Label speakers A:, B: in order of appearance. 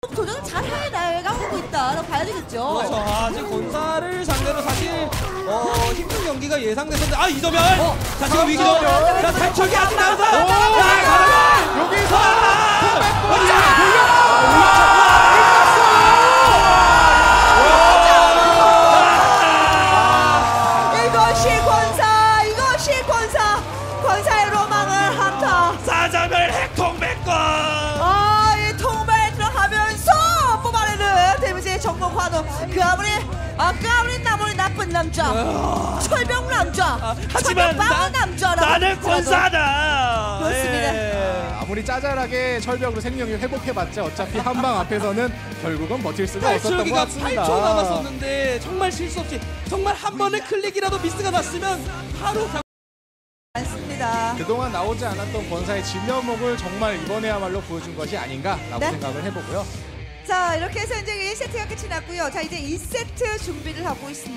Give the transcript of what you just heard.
A: 도전을 잘 해나가고 있다라고 봐야 되겠죠.
B: 그렇죠. 지금 권사를 상대로 사실 힘든 경기가 예상됐었는데 이점열! 자 지금 위기점! 자 탈출기 아직 나와서! 가라가!
C: 여기서
A: 이것이 권사의 로망을 한타.
B: 사자멸 핵통백권!
A: 이 통발에 들어가면서 뽑아내는 데미지의 전공 환호. 그 아무리 나쁜 남자, 철벽 남자,
B: 하지만
A: 철벽 남자라고
B: 나는
A: 하더라도.
B: 권사다!
A: 그렇습니다.
C: 아무리 짜잘하게 철벽으로 생명을 회복해봤자 어차피 한 방 앞에서는 결국은 버틸 수가 없었던 것
B: 탈출기가
C: 같습니다.
B: 8초 남았었는데 정말 실수 없이 정말 한 번의 클릭이라도 미스가 났으면 바로
A: 많습니다.
C: 그동안 나오지 않았던 권사의 진면목을 정말 이번에야말로 보여준 것이 아닌가라고
A: 네.
C: 생각을 해보고요.
A: 자, 이렇게 해서 이제 1세트가 끝이 났고요. 자, 이제 2세트 준비를 하고 있습니다.